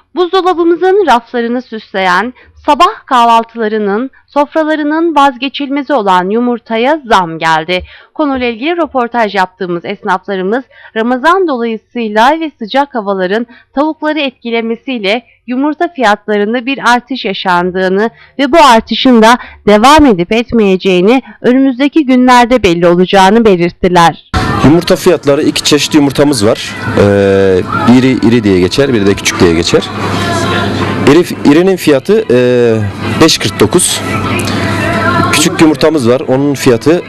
Buzdolabımızın raflarını süsleyen, sabah kahvaltılarının, sofralarının vazgeçilmezi olan yumurtaya zam geldi. Konuyla ilgili röportaj yaptığımız esnaflarımız Ramazan dolayısıyla ve sıcak havaların tavukları etkilemesiyle yumurta fiyatlarında bir artış yaşandığını ve bu artışın da devam edip etmeyeceğini önümüzdeki günlerde belli olacağını belirttiler. Yumurta fiyatları, iki çeşit yumurtamız var. Biri iri diye geçer, biri de küçük diye geçer. İrinin fiyatı 5.49. Küçük yumurtamız var. Onun fiyatı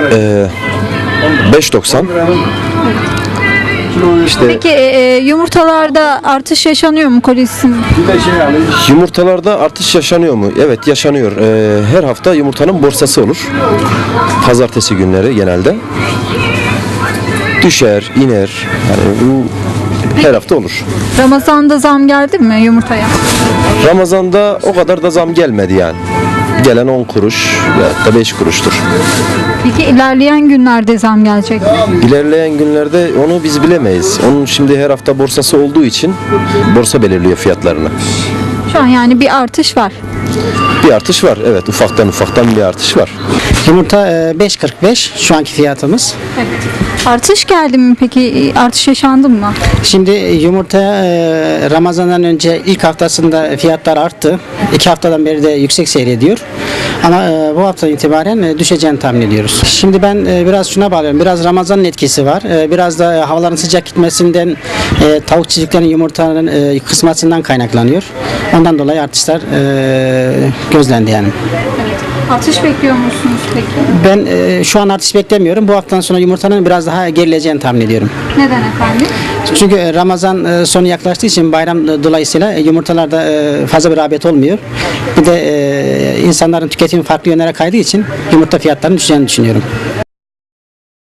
5.90. Peki yumurtalarda artış yaşanıyor mu kolisin? Yumurtalarda artış yaşanıyor mu? Evet, yaşanıyor. Her hafta yumurtanın borsası olur. Pazartesi günleri genelde. Düşer, iner. Yani bu her hafta olur. Ramazan'da zam geldi mi yumurtaya? Ramazan'da o kadar da zam gelmedi yani. Gelen 10 kuruş ya da 5 kuruştur. Peki ilerleyen günlerde zam gelecek mi? İlerleyen günlerde onu biz bilemeyiz. Onun şimdi her hafta borsası olduğu için borsa belirliyor fiyatlarını. Şu an yani bir artış var. Bir artış var. Evet, ufaktan bir artış var. Yumurta 5.45 şu anki fiyatımız. Evet. Artış geldi mi peki? Artış yaşandı mı? Şimdi yumurta Ramazan'dan önce ilk haftasında fiyatlar arttı. 2 haftadan beri de yüksek seyrediyor. Ama bu haftadan itibaren düşeceğini tahmin ediyoruz. Şimdi ben biraz şuna bağlıyorum. Biraz Ramazan'ın etkisi var. Biraz da havaların sıcak gitmesinden tavuk çiftliklerinin yumurtanın kısmasından kaynaklanıyor. Ondan dolayı artışlar gözlendi yani. Artış bekliyor musunuz peki? Ben şu an artış beklemiyorum. Bu haftadan sonra yumurtanın biraz daha gerileceğini tahmin ediyorum. Neden efendim? Çünkü Ramazan sonu yaklaştığı için bayram dolayısıyla yumurtalarda fazla bir rağbet olmuyor. Bir de insanların tüketimi farklı yönlere kaydığı için yumurta fiyatlarının düşeceğini düşünüyorum.